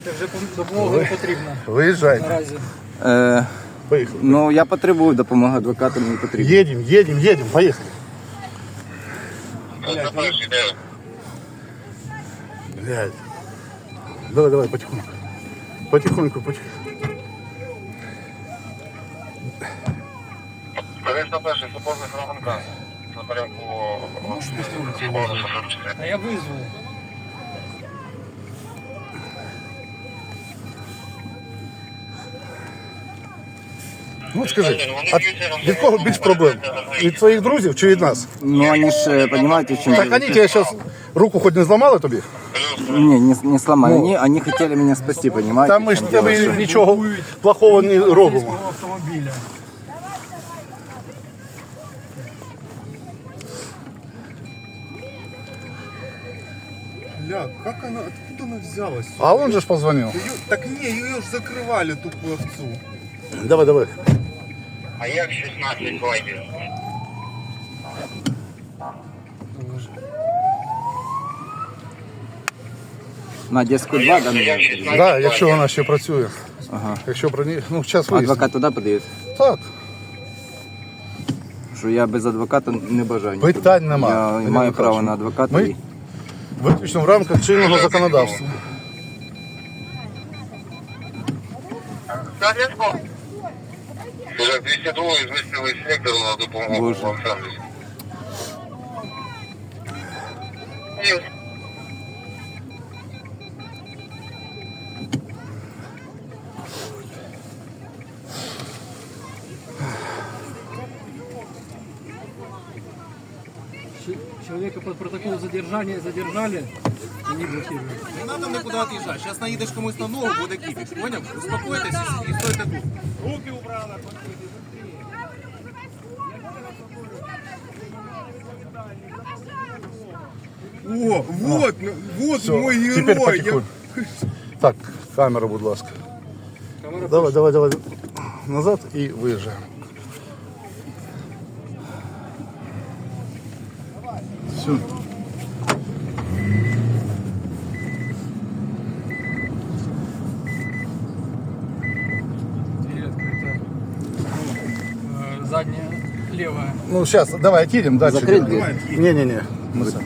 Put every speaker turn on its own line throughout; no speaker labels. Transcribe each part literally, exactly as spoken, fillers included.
Це вже допомога не потрібна.
Виїжджайте.
Наразі.
Е,
Поїхали.
ну, я потребую допомоги, адвоката мені потрібно.
Їдемо, їдемо, їдемо, поїхали. Блядь. Давай, давай, потихоньку. Потихоньку, потихоньку.
Конечно, перший супорний фрагмент. На порядку
А я визву.
Ну скажи, а від кого більш проблем? Від твоїх друзів чи від нас?
Ну, вони ж, розумієте, в чому...
Так вони тебе зараз руку хоч не зламали тобі?
Не, не, не сломали. Они, они хотели меня спасти, понимаете?
Та ми ж тебе нічого плохого не робимо.
Автомобіля.
Бля, как она, откуда она взялась?
А он же ж позвонив.
Её- так не, ее же закрывали, тупую овцу.
Давай, давай.
А як шістнадцять вайдів?
На Одесскую два, да?
Як
наверное?
шістнадцять
Да, якщо вона ще працює.
Ага.
Якщо про неї, ну зараз вияснимо.
Адвокат туди подає?
Так,
Що я без адвоката не бажаю. нікуди.
питань нема.
Я
Ми не
маю право
викажемо.
на адвоката.
Ми
і-
виключно в рамках чинного законодавства.
Уже двісті два змістили сектор на допомогу
Боже.
вам сервісу.
Ч- Человека под протокол задержания задержали. Они блокируют.
Не надо никуда отъезжать. Сейчас наедешь комусь на ногу, буде кипиш. Понял? Успокойтесь и, и стойте тут. Руки убрала. О, вот, ну, вот
Все,
мой герой.
тепер
Я-
потихоньку. Так, камера, будь ласка. Давай, давай, давай. Назад і виїжджаємо. Все.
Дверь открыта. Э, Задняя левая.
Ну, сейчас, давай, отъедем дальше.
Закрыть дверь?
Не-не-не. Мы сами.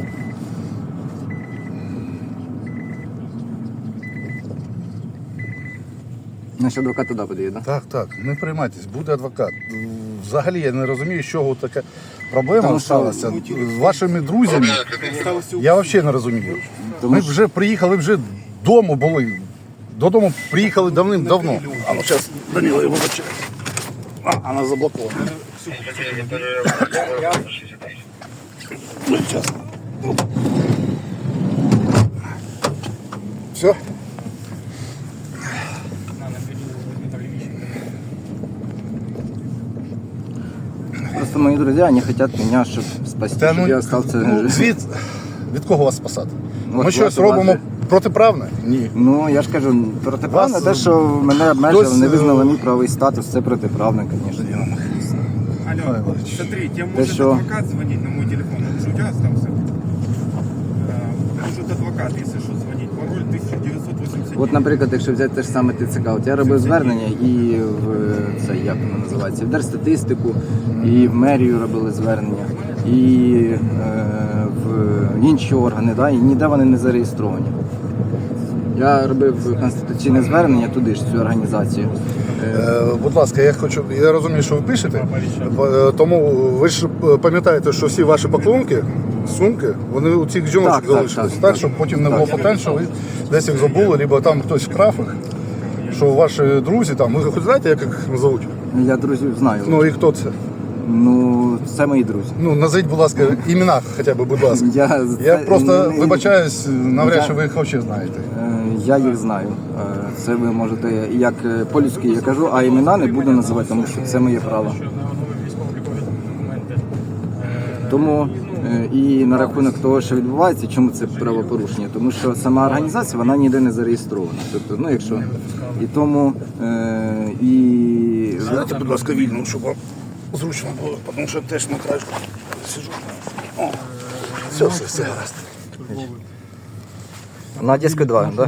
Значить, адвокат туди подає, да?
Так, так, не приймайтесь, буде адвокат. Взагалі я не розумію, з чого така проблема
Тому що-
сталася з вашими друзями. Я взагалі не розумію. Ми вже приїхали, ви вже вдома були. Додому приїхали давним-давно. А ну зараз Данило його зачекає. А, вона заблокована. Ну, зараз. Все?
На, на видео возьми
Просто мои друзья, они хотят меня, чтобы спасти,
Та,
чтобы
ну,
я остался...
ну, від, від кого вас спасати?
От
Ми щось
вас-
робимо
вас-
протиправне? Ні.
Ну, я ж кажу, протиправно
Вас,
те, що мене обмежили,
хтось,
не визнали
е,
мій правовий статус, це протиправно, звісно.
Алло, смотри, тебе
Ты
может
шо?
адвокат звонить на мой телефон, он же у тебя остался. Э, Может адвокат, если что, звонить. Пароль тисяча дев'ятсот вісімдесят дев'ять.
От, наприклад, якщо взяти те ж саме ТЦК, от я робив звернення і в це як воно називається, в Держстатистику, і в мерію робили звернення, і е, в інші органи, да, і ніде вони не зареєстровані. Я робив конституційне звернення туди ж, цю організацію.
Е, будь ласка, я хочу, я розумію, що ви пишете, е, тому ви ж е, пам'ятаєте, що всі ваші пакунки, сумки, вони у цих жіночок
Так, так,
залишились, так,
так, так.
щоб потім не було питань, що ви десь їх забули, або там хтось вкрав їх, що ваші друзі там, ви хоч знаєте, як їх назовуть?
Я друзів знаю.
Ну і хто це?
Ну, це мої друзі.
Ну, назвіть, будь ласка, імена хоча б, будь ласка.
Я,
Я
це-
просто
не-
вибачаюсь, навряд
Я-
чи ви їх взагалі знаєте.
Е, Я їх знаю. Е, Це ви можете, як е, по-людськи я кажу, а імена не буду називати, тому що це моє право. Тому е, і на рахунок того, що відбувається, чому це правопорушення, тому що сама організація вона ніде не зареєстрована. Тобто, ну якщо і тому е, і
Знаєте, будь ласка, вільно, щоб вам зручно було, тому що теж на краєшку сиджу. О, все, все, все гаразд.
на Одеську два, да?